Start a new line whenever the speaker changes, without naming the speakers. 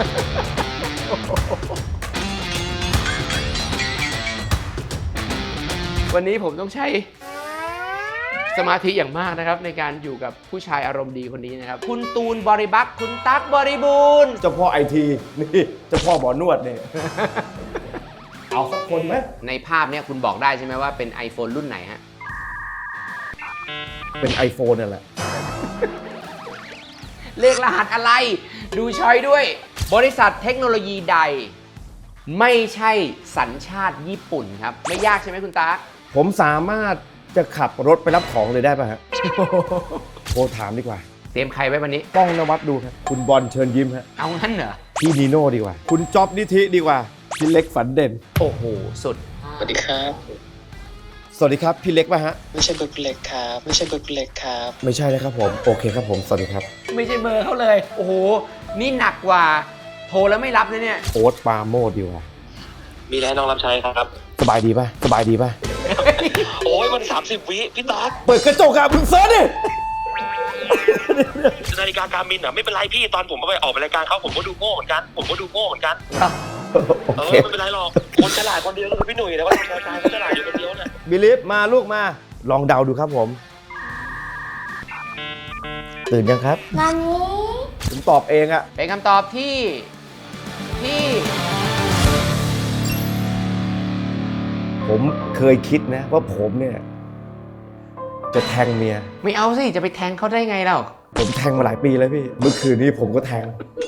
วันนี้ผมต้องใช้สมาธิอย่างมากนะครับในการอยู่กับผู้ชายอารมณ์ดีคนนี้นะครับคุณตูนบริบักษ์คุณตั๊กบริบูรณ์
เจ้าพ่อไอทีนี่เจ้าพ่อหมอนวดเนี่ย เอาสักคนไหม
ในภาพเนี้ยคุณบอกได้ใช่ไหมว่าเป็น iPhone รุ่นไหนฮะ
เป็น iPhone นั่นแหละ
เลขรหัสอะไร ดูช้อยด้วย บริษัทเทคโนโลยีใด ไม่ใช่สัญชาติญี่ปุ่นครับ ไม่ยากใช่ไหมคุณตั๊ก
ผมสามารถจะขับรถไปรับของเลยได้ป่ะฮะ โทรถามดีกว่า
เตรียมใครไว้วันนี้
ป้องนวัดดูครับคุณบอลเชิญยิ้มฮะ
เอางั้นเหรอ
พี่นีโน่ดีกว่า คุณจ๊อบนิธิดีกว่า พี่เล็กฝันเด่น
โอ้โห สุด
สวัสดีครับ
สวัสดีครับพี่เล็กป่ะฮะ
ไม่ใช่เบอร์คุณเล็กครับ ไม่ใช่เบอร์คุณเล็กครับ
ไม่ใช่นะครับผม โอเคครับผม สวัสดีครับ
ไม่ใช่เบอร์เขาเลย โอ้โห นี่หนักกว่า โทรแล้วไม่รับนะเนี่ย
โอ๊ตปาโมดดีกว่า
มีอะไรน้องรับใช้ครับ
สบายดีป่ะ สบายดีป่ะ
โอ้ยมัน30 วิพี่ตั๊ก
เปิดกระจกอะมึงเซิร์ชดิ
นาฬิกาการมินอ่ะไม่เป็นไรพี่ตอนผมไปออกรายการเขาผมก็ดูโง่เหมือนกัน ผมก็ดูโง่เหมือนกัน
โอเค
ไม่เป็นไรหรอก คนฉลาดคนเดียวก็คือพี่หนุ่ยแต่ว่าทำรายการเขาฉลาดอยู่คนเดียวเนี่ย
บิลิฟมาลูกมา ลองเดาดูครับผม ตื่นยังครับ ผมตอบเองอะ
เป็นคำตอบที่
ผมเคยคิดนะว่าผมเนี่ย จะแทงเมีย
ไม่เอาสิ จะไปแทงเขาได้ไงเรา
ผมแทงมาหลายปีแล้วพี่ เมื่อคืนนี้ผมก็แทง